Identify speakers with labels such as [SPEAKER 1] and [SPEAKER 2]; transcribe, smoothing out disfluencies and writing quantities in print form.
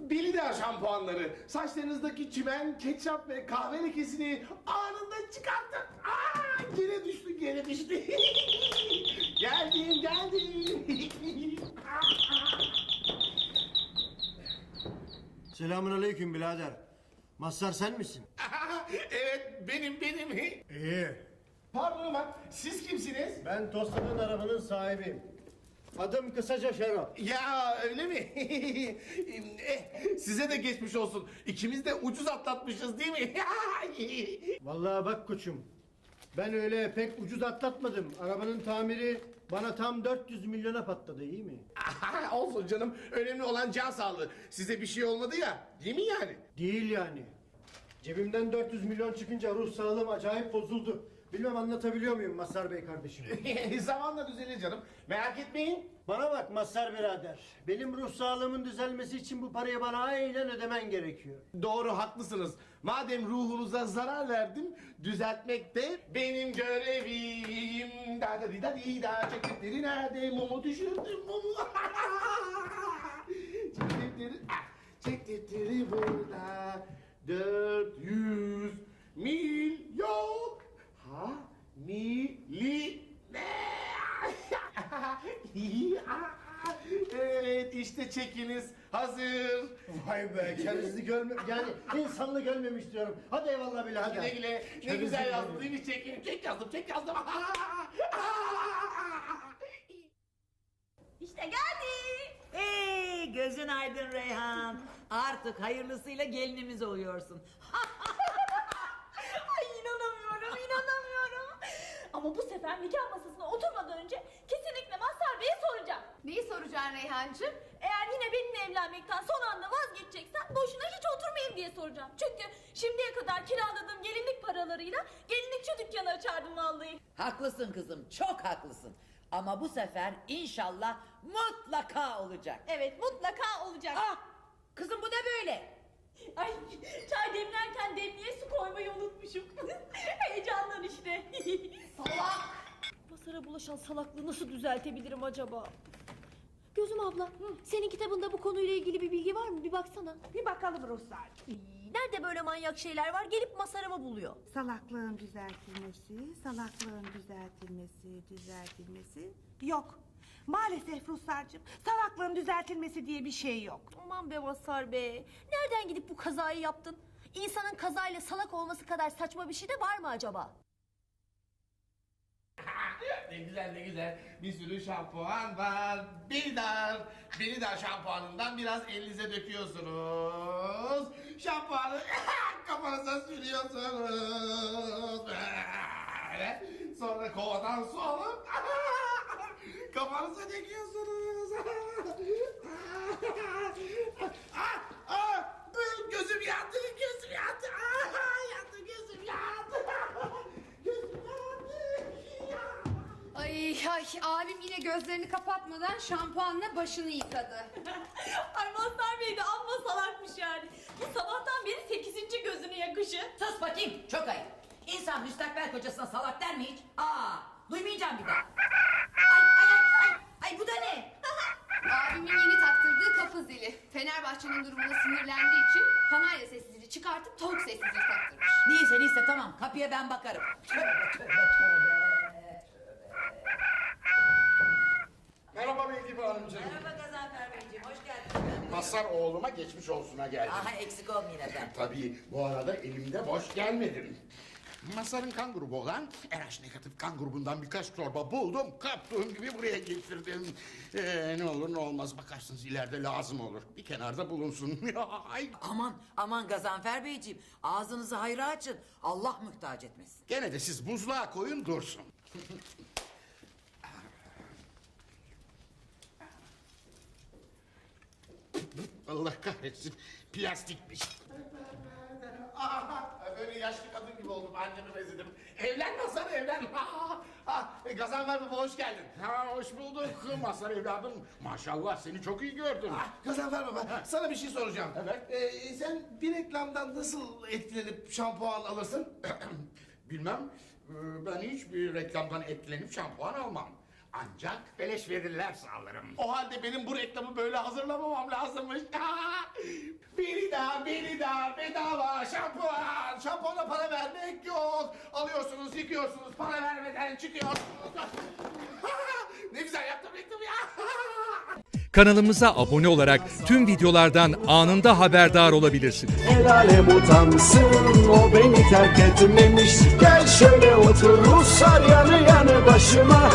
[SPEAKER 1] Belida şampuanları. Saçlarınızdaki çimen, ketçap ve kahve lekesini anında çıkartın. Gene düştü, gene düştü. geldim.
[SPEAKER 2] Selamünaleyküm birader. Mazhar sen misin?
[SPEAKER 1] Evet, benim.
[SPEAKER 2] İyi.
[SPEAKER 1] Pardon ama siz kimsiniz?
[SPEAKER 2] Ben tostladığın arabanın sahibiyim. Adım kısaca Şero.
[SPEAKER 1] Ya öyle mi? Size de geçmiş olsun. İkimiz de ucuz atlatmışız değil mi?
[SPEAKER 2] Vallahi bak koçum. Ben öyle pek ucuz atlatmadım. Arabanın tamiri bana tam 400 milyona patladı, iyi mi?
[SPEAKER 1] Olsun canım. Önemli olan can sağlığı. Size bir şey olmadı ya. Değil mi yani?
[SPEAKER 2] Değil yani. Cebimden 400 milyon çıkınca ruh sağlığım acayip bozuldu. Bilmem anlatabiliyor muyum Mazhar Bey kardeşim?
[SPEAKER 1] Zamanla düzelir canım. Merak etmeyin.
[SPEAKER 2] Bana bak Mazhar birader. Benim ruh sağlığımın düzelmesi için bu parayı bana aynen ödemen gerekiyor.
[SPEAKER 1] Doğru, haklısınız. Madem ruhunuza zarar verdim, düzeltmek de benim görevim. Da da di da di da, çektikleri nerede? Mumu düşürdüm, mumu. Çektikleri burada. 400 milyon. Evet, işte çekiniz hazır.
[SPEAKER 2] Vay be, kendinizi yani insanlı görmemiş diyorum. Hadi eyvallah bile hadi.
[SPEAKER 1] Güle güle. Ne
[SPEAKER 2] Kendinizi
[SPEAKER 1] güzel yazdın
[SPEAKER 2] görmemiş.
[SPEAKER 1] değil mi? Çek yazdım.
[SPEAKER 3] İşte geldi.
[SPEAKER 4] Hey, gözün aydın Reyhan. Artık hayırlısıyla gelinimiz oluyorsun.
[SPEAKER 3] Ay inanamıyorum. Ama bu sefer nikah masasına oturmadan önce kesinlikle Mazhar Bey'e soracağım.
[SPEAKER 5] Neyi soracaksın Reyhancığım?
[SPEAKER 3] Eğer yine benimle evlenmekten son anda vazgeçeceksen boşuna hiç oturmayayım diye soracağım. Çünkü şimdiye kadar kiraladığım gelinlik paralarıyla gelinlikçi dükkanı açardım vallahi.
[SPEAKER 4] Haklısın kızım, çok haklısın. Ama bu sefer inşallah mutlaka olacak.
[SPEAKER 3] Evet, mutlaka olacak.
[SPEAKER 4] Ah, kızım bu ne böyle?
[SPEAKER 3] Ay, çay demlerken demliğe su koymayı unutmuşum. Heyecandan işte.
[SPEAKER 5] Salak!
[SPEAKER 3] Mazhar'a bulaşan salaklığı nasıl düzeltebilirim acaba? Gözüm abla, senin kitabında bu konuyla ilgili bir bilgi var mı? Bir baksana.
[SPEAKER 6] Bir bakalım Ruhsar'cığım.
[SPEAKER 3] Nerede böyle manyak şeyler var? Gelip Mazhar'ımı buluyor.
[SPEAKER 6] Salaklığın düzeltilmesi. Yok. Maalesef Ruhsar'cığım, salaklığın düzeltilmesi diye bir şey yok.
[SPEAKER 3] Aman be Mazhar be. Nereden gidip bu kazayı yaptın? İnsanın kazayla salak olması kadar saçma bir şey de var mı acaba?
[SPEAKER 1] Ne güzel. Bir sürü şampuan var. Belida şampuanından biraz elinize döküyorsunuz. Şampuanı kafanıza sürüyorsunuz. Böyle. Sonra kovadan su alıp kafanıza döküyorsunuz. Gözüm yandı. Gözüm yandı.
[SPEAKER 5] Ay abim yine gözlerini kapatmadan şampuanla başını yıkadı.
[SPEAKER 3] Ay Mazhar Bey de amma salakmış yani. Bu sabahtan beri 8. gözünü yakışı.
[SPEAKER 4] Sus bakayım, çok ayıp. İnsan müstakbel kocasına salak der mi hiç? Duymayacağım bir daha. Ay bu da ne?
[SPEAKER 5] Abimin yeni taktırdığı kapı zili. Fenerbahçe'nin durumuna sinirlendiği için kanarya sessizliği çıkartıp tavuk sessizliği taktırmış.
[SPEAKER 4] Neyse tamam, kapıya ben bakarım. Tövbe.
[SPEAKER 1] Merhaba Beydibe Hanımcığım.
[SPEAKER 4] Merhaba Gazanfer Beyciğim, hoş geldiniz.
[SPEAKER 1] Mazhar oğluma geçmiş olsuna geldim.
[SPEAKER 4] Aha, eksik olmayın efendim.
[SPEAKER 1] Tabii bu arada elimde boş gelmedim. Mazhar'ın kan grubu olan RH negatif kan grubundan birkaç torba buldum. Kaptığım gibi buraya getirdim. Ne olur ne olmaz bakarsınız ileride lazım olur. Bir kenarda bulunsun. Ay.
[SPEAKER 4] Aman Gazanfer Beyciğim, ağzınızı hayra açın. Allah muhtaç etmesin.
[SPEAKER 1] Gene de siz buzluğa koyun dursun. Allah kahretsin. Plastikmiş. Böyle yaşlı kadın gibi oldum. Annemi benzedim. Evlen Mazhar, evlen. Gazanfer Baba hoş geldin. Hoş bulduk Mazhar evladım. Maşallah seni çok iyi gördüm. Gazanfer Baba sana bir şey soracağım. Evet. Sen bir reklamdan nasıl etkilenip şampuan alırsın? Bilmem. Ben hiçbir reklamdan etkilenip şampuan almam. Ancak beleş verirlerse alırım. O halde benim bu reklamı böyle hazırlamamam lazımmış. Biri daha bedava şampuan. Şampuana para vermek yok. Alıyorsunuz, yıkıyorsunuz, para vermeden çıkıyorsunuz. Ne güzel yaptım reklamı ya.
[SPEAKER 7] Kanalımıza abone olarak tüm videolardan anında haberdar olabilirsiniz.
[SPEAKER 8] El alem utansın, o beni terk etmemiş. Gel şöyle otur Ruslar yanı yanı başıma.